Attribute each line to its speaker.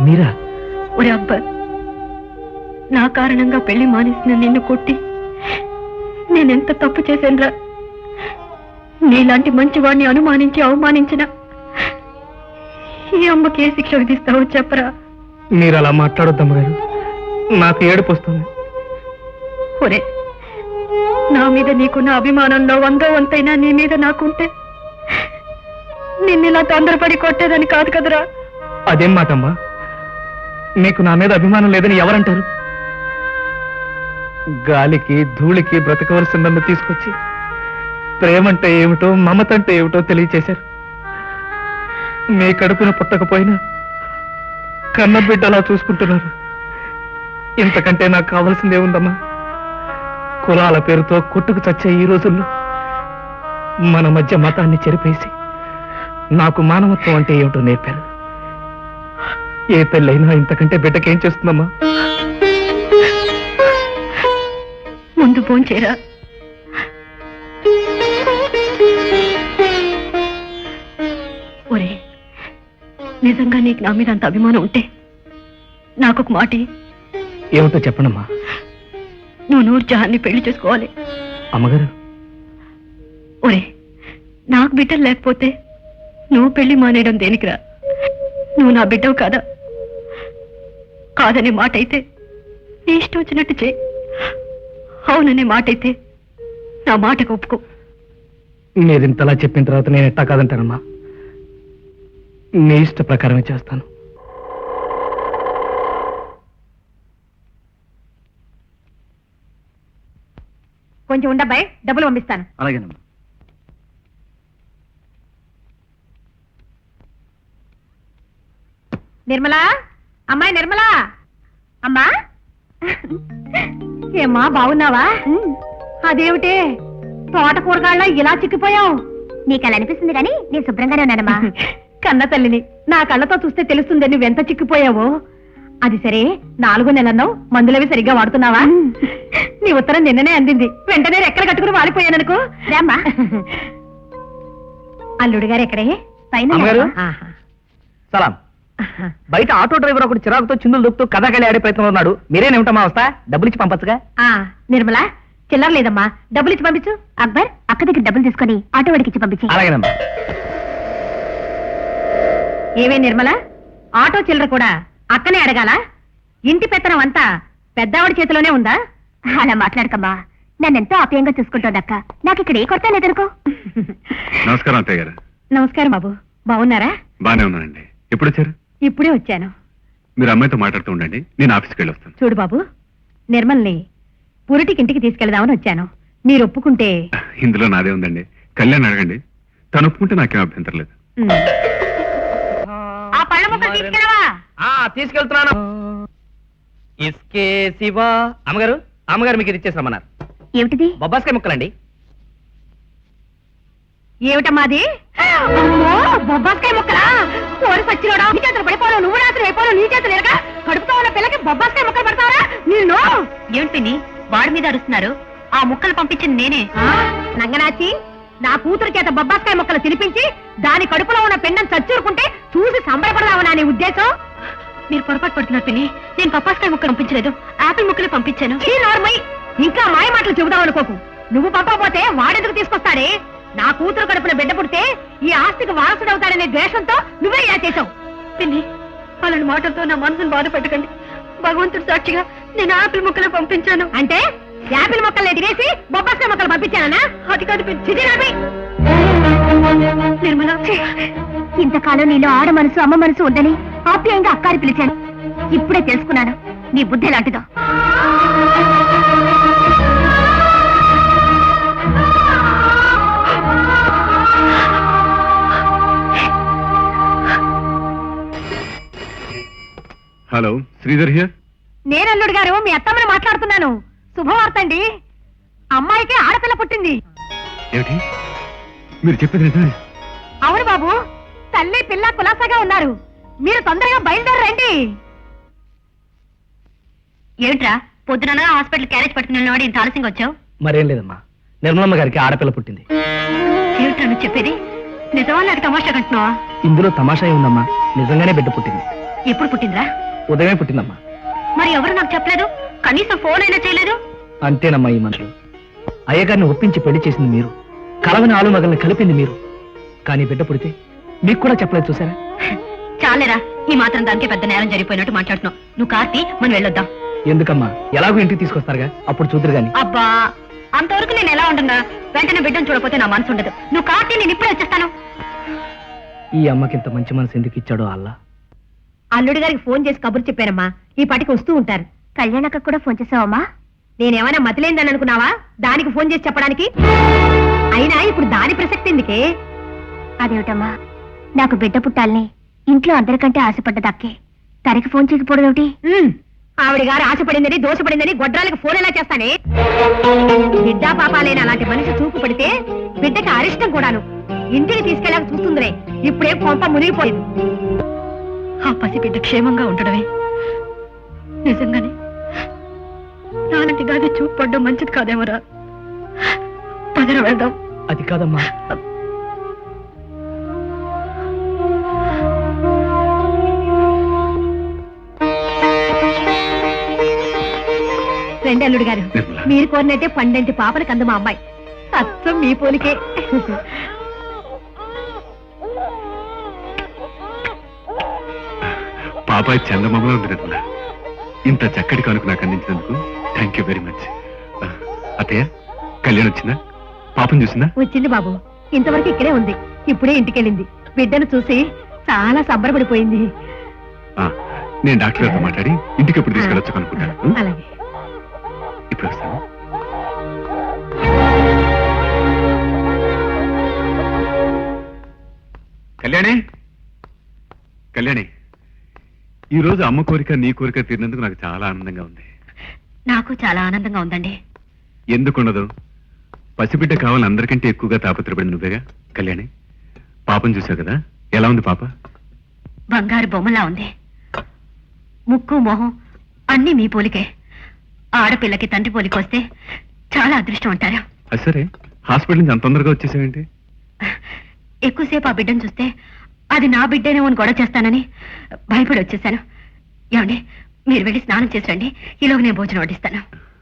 Speaker 1: మీరా?
Speaker 2: ఒరే అబ్బా, నా కారణంగా పెళ్లి మానేసిన నిన్ను కొట్టి నేనెంత తప్పు చేశానురా. నీలాంటి మంచివాడిని అనుమానించి అవమానించిన ఈ అమ్మకి ఏ శిక్ష విధిస్తావో చెప్పరా.
Speaker 1: మీరు అలా మాట్లాడొద్దమ్మగారు, నాకు ఏడుపు వస్తుంది.
Speaker 2: ఒరే, నా మీద నీకున్న అభిమానంలో 100వ వంతైనా నీ మీద నాకుంటే నిన్నిలా తొందరపడి కొట్టేదని కాదు కదరా.
Speaker 1: అదేం మాటమ్మా? నీకు నా మీద అభిమానం లేదని ఎవరంటారు? గాలికి ధూళికి బ్రతకవలసిన నన్ను తీసుకొచ్చి ప్రేమంటే ఏమిటో మమతంటే ఏమిటో తెలియచేశారు. మీ కడుపున పుట్టకపోయినా కన్న బిడ్డలా చూసుకుంటున్నారు. ఇంతకంటే నాకు కావాల్సిందే ఉందమ్మా. కులాల పేరుతో కొట్టుకు చచ్చే ఈ రోజుల్లో మన మధ్య మతాన్ని చెరిపేసి నాకు మానవత్వం అంటే ఏమిటో నేర్పారు. ఏ తల్లైనా ఇంతకంటే బిడ్డకేం చేస్తుందమ్మా?
Speaker 2: ముందు భోంచేరా. ఒరే, నిజంగా నీకు నా మీద అంత అభిమానం ఉంటే నాకొక మాట.
Speaker 1: ఏమిటో చెప్పండమ్మా.
Speaker 2: నువ్వు నూర్జహాన్ని పెళ్లి చేసుకోవాలి.
Speaker 1: అమ్మగారు,
Speaker 2: ఒరే, నాకు బిడ్డలు లేకపోతే నువ్వు పెళ్లి మానేయడం దేనికిరా? నువ్వు నా బిడ్డవు కాదా? కాదనే మాట అయితే నీ ఇష్టం వచ్చినట్టు చేయి. అవుననే మాట అయితే నా మాటకు ఒప్పుకో.
Speaker 1: మీరింతలా చెప్పిన తర్వాత నేను ఎట్టా కాదంటానమ్మా. నీ ఇష్ట ప్రకారమే చేస్తాను.
Speaker 2: కొంచెం ఉండబ్బాయి, డబ్బులు పంపిస్తాను.
Speaker 1: అలాగేనమ్మా.
Speaker 2: నిర్మలా, అమ్మాయి నిర్మలా, అమ్మా. ఏమ్మా, బాగున్నావా? అదేమిటే తోట కూరగాళ్ళ ఇలా చిక్కిపోయావు?
Speaker 3: నీకు అలా అనిపిస్తుంది కానీ నేను శుభ్రంగానే ఉన్నానమ్మా.
Speaker 2: కన్న తల్లిని నా కళ్ళతో చూస్తే తెలుస్తుంది నువ్వెంత చిక్కిపోయావో. అది సరే, 4 నెలన్నావు, మందులవి సరిగ్గా వాడుతున్నావా? నీ ఉత్తరం నిన్ననే అందింది, వెంటనే రెక్కలు కట్టుకుని వాలిపోయాననుకో.
Speaker 3: రామ్మా.
Speaker 2: అల్లుడు గారు ఎక్కడే?
Speaker 1: అమ్మగారు?
Speaker 2: పైన. ఆహా.
Speaker 1: సలాం. బయట ఆటో డ్రైవర్ ఒకటి చిరాకుతో చిందులు దొక్కుతూ కథాకళి ఆడే ప్రయత్నంలో ఉన్నాడు. మీరేనేమిటమ్మా వస్తా? డబ్బులు ఇచ్చి పంపచ్చుగా.
Speaker 2: నిర్మలా, చిల్లర లేదమ్మా, డబ్బులు ఇచ్చి పంపించు.
Speaker 3: అక్బర్, అక్క దగ్గర డబ్బులు తీసుకొని ఆటో వాడికి ఇచ్చి పంపించి.
Speaker 1: అలాగేనమ్మా.
Speaker 2: ఏవే నిర్మల, ఆటో చిల్లర కూడా అక్కనే అడగాల? ఇంటి పెత్తనం అంతా పెద్దావిడి చేతిలోనే ఉందా?
Speaker 3: అలా మాట్లాడకమ్మా. నన్నెంతో ఆప్యాయంగా చూసుకుంటోంది అక్క. నాకు ఇక్కడ ఏ కొరత లేదనుకో.
Speaker 4: నమస్కారం అత్తయ్య గారు.
Speaker 2: నమస్కారం బాబు, బాగున్నారా?
Speaker 4: బానే ఉన్నానండి. ఎప్పుడు వచ్చారు?
Speaker 2: ఇప్పుడే వచ్చాను.
Speaker 4: మీరు అమ్మాయితో మాట్లాడుతూ ఉండండి, నేను ఆఫీస్కి వెళ్ళి వస్తాను.
Speaker 2: చూడు బాబు, నిర్మల్ని పురిటికి ఇంటికి తీసుకెళ్దామని వచ్చాను. మీరు ఒప్పుకుంటే.
Speaker 4: ఇందులో నాదే ఉందండి. కళ్యాణ్ అడగండి, తను ఒప్పుకుంటే నాకేం అభ్యంతరం లేదు.
Speaker 2: ఆ పళ్ళ ముక్కలు తీసుకెళ్ళవా?
Speaker 1: తీసుకెళ్తున్నాను. ఇస్కే శివా. అమ్మగారు, అమ్మగారు మీకు ఇది ఇచ్చేసామన్నారు.
Speaker 3: ఏమిటిది?
Speaker 1: బొబ్బాస్కాయ ముక్కలండి.
Speaker 2: ఏమిటమ్మాది? అమ్మో, బొబ్బాస్కాయ ముక్కలా? కోరి సచ్చిలోడా, నీ చేతులు పడిపోను, నువ్వు రాత్రి అయిపోను, నీ చేతులు ఎరగా కడుపుతో ఉన్న పిల్లకి బొబ్బాస్కాయ ముక్కలు పడతావరా? నేను
Speaker 3: ఏమిటి వాడి మీద అరుస్తున్నారు? ఆ ముక్కలు పంపించింది నేనే.
Speaker 2: నంగనాచి, నా కూతురు చేత బొబ్బాస్కాయ ముక్కలు తినిపించి దాని కడుపులో ఉన్న పెండం చచ్చూరుకుంటే చూసి సంబరపడదామనా నీ ఉద్దేశం? మీరు పొరపాటు పడుతున్నారు పిన్ని. నేను బొబ్బాస్కాయ ముక్కలు పంపించలేదు, ఆపిల్ ముక్కలు పంపించాను. ఇంకా మాయ మాటలు చెబుదాం అనుకోకు. నువ్వు పంపకపోతే వాడెందుకు తీసుకొస్తాడే? నా కూతురు కడుపున బిడ్డ పుడితే ఈ ఆస్తికి వారసుడవుతాడనే ద్వేషంతో నువ్వే ఇలా చేశావు. పిన్ని, వాళ్ళని మాటలతో నా మనసును బాధ పెట్టకండి. భగవంతుడు సాక్షిగా నేను ఆపిల్ ముక్కలు పంపించాను. అంటే యాపిల్ మొక్కల్ని ఎదిగేసి బొబ్బాస్కాయ మొక్కలు పంపించానా? అది కాదు నిర్మల.
Speaker 3: ఇంతకాలం నీలో ఆడ మనసు అమ్మ మనసు ఉందని ఆప్యాయంగా అక్కారి పిలిచాను. ఇప్పుడే తెలుసుకున్నాను నీ బుద్ధి లాంటిదో.
Speaker 4: Hello, Sridhar here.
Speaker 2: నేనల్లుడు గారు, మీ అత్తమ్మని మాట్లాడుతున్నాను. శుభవార్త అండి, అమ్మాయికి ఆడపిల్ల పుట్టింది.
Speaker 4: ఏమిటి మీరు చెప్పేది నిజమే?
Speaker 2: అవును బాబు, తల్లి పిల్ల కులాసాగా ఉన్నారు. మీరు తొందరగా బయలుదేరండి.
Speaker 3: ఏమిట్రా పొద్దున హాస్పిటల్ క్యారేజ్ పట్టుకున్నాడు, ఇంత ఆలస్యంగా వచ్చావు?
Speaker 1: మరేం లేదమ్మా, నిర్మలమ్మ గారికి ఆడపిల్ల పుట్టింది.
Speaker 2: ఏమిట్రా నువ్వు చెప్పేది? నిజమా నాకు తమాషా కంటున్నావా?
Speaker 1: ఇందులో తమాషా ఉందమ్మా, నిజంగానే బిడ్డ పుట్టింది.
Speaker 2: ఎప్పుడు పుట్టిందిరా?
Speaker 1: ఉదయమే పుట్టిందమ్మా.
Speaker 2: మరి ఎవరు నాకు చెప్పలేదు? కనీసం ఫోన్ అయినా చేయలేదు.
Speaker 1: అంతేనమ్మా ఈ మనుషులు. అయ్యగారిని ఒప్పించి పెళ్లి చేసింది మీరు, కలవని ఆలుమగల్ని కలిపింది మీరు. కానీ బిడ్డ పుడితే మీకు కూడా చెప్పలేదు చూసారా?
Speaker 2: చాలేరా, ఈ మాత్రం దానికి పెద్ద నేరం జరిగిపోయినట్టు మాట్లాడుతున్నావు. నువ్వు కార్తీ, మనం వెళ్ళొద్దాం.
Speaker 1: ఎందుకమ్మా, ఎలాగో ఇంటికి తీసుకొస్తారుగా, అప్పుడు చూద్దరు గాని.
Speaker 2: అబ్బా, అంతవరకు నేను ఎలా ఉంటున్నా? వెంటనే బిడ్డను చూడకపోతే నా మనసు ఉండదు. నువ్వు కార్తీ, నేను ఇప్పుడే వచ్చేస్తాను.
Speaker 1: ఈ అమ్మకి ఇంత మంచి మనసు ఎందుకు ఇచ్చాడో అల్లా.
Speaker 2: అల్లుడి గారికి ఫోన్ చేసి కబురు చెప్పానమ్మా, ఈ పాటికి వస్తూ ఉంటారు.
Speaker 3: కళ్యాణక్క కూడా ఫోన్ చేసావమ్మా?
Speaker 2: నేనేమైనా మతిలేందని అనుకున్నావా దానికి ఫోన్ చేసి చెప్పడానికి? అయినా ఇప్పుడు దాని ప్రసక్తి ఎందుకే?
Speaker 3: అదేమిటమ్మా, నాకు బిడ్డ పుట్టాలని ఇంట్లో అందరికంటే ఆశపడ్డదక్కే తనకి ఫోన్ చేయకపోవడం ఏమిటి?
Speaker 2: ఆవిడ గారు ఆశపడిందని దోషపడిందని గొడ్రాలకు ఫోన్ ఎలా చేస్తానే? బిడ్డా పాపాలైన అలాంటి మనిషి చూపు పడితే బిడ్డకి అరిష్టం కూడాను. ఇంటికి తీసుకెళ్ళాక చూస్తుందిరే, ఇప్పుడే కొంప మునిగిపోయింది. ఆ పసి బిడ్డ క్షేమంగా ఉండడమే నిజంగానే నాలాంటి దాన్ని చూపు పడ్డం మంచిది కాదేమరా. పదర వెళ్దాం.
Speaker 1: అది కాదమ్మా.
Speaker 2: రండి అల్లుడు గారు,
Speaker 4: నిర్మల.
Speaker 2: మీరు కోరినట్టే పండంటి పాపని కందు మా అమ్మాయి. అచ్చం మీ పోలికే.
Speaker 4: పాపాయి చందమామలో ఉంది నిర్మల. ఇంత చక్కటి కానుక నాకు అందించినందుకు థ్యాంక్ యూ వెరీ మచ్. అత్తయ్య, కళ్యాణ్ వచ్చిందా? పాపం చూసిందా?
Speaker 2: వచ్చింది బాబు, ఇంతవరకు ఇక్కడే ఉంది. ఇప్పుడే ఇంటికెళ్ళింది. బిడ్డను చూసి చాలా సంబరపడిపోయింది.
Speaker 4: ఆ, నేను డాక్టర్ గారితో మాట్లాడి ఇంటికి ఎప్పుడు తీసుకెళ్ళొచ్చు అనుకుంటాను.
Speaker 2: అలాగే.
Speaker 4: ఇప్పుడు వస్తాను. కళ్యాణి, కళ్యాణి, ఈ రోజు అమ్మ కోరిక నీ కోరిక తీరినందుకు నాకు చాలా ఆనందంగా ఉంది.
Speaker 2: నాకు చాలా ఆనందంగా ఉందండి.
Speaker 4: ఎందుకుండదు? పసిబిడ్డ కావాలని అందరికంటే ఎక్కువగా తాపత్రపడింది నువ్వేగా కళ్యాణి. పాపం చూసావు కదా, ఎలా ఉంది పాప?
Speaker 2: బంగారు బొమ్మలా ఉంది. ముక్కు మొహం అన్ని మీ పోలికే. ఆడపిల్లకి తండ్రి పోలికి వస్తే చాలా అదృష్టం అంటారు.
Speaker 4: అది సరే, హాస్పిటల్ నుంచి అంత తొందరగా వచ్చేసావేంటి?
Speaker 2: ఎక్కువసేపు ఆ బిడ్డను చూస్తే అది నా బిడ్డేనేమో అని గొడవ చేస్తానని భయపడి వచ్చేసాను. ఏమండి, మీరు వెళ్ళి స్నానం చేసి రండి, ఈలోగా నేను భోజనం వడ్డిస్తాను.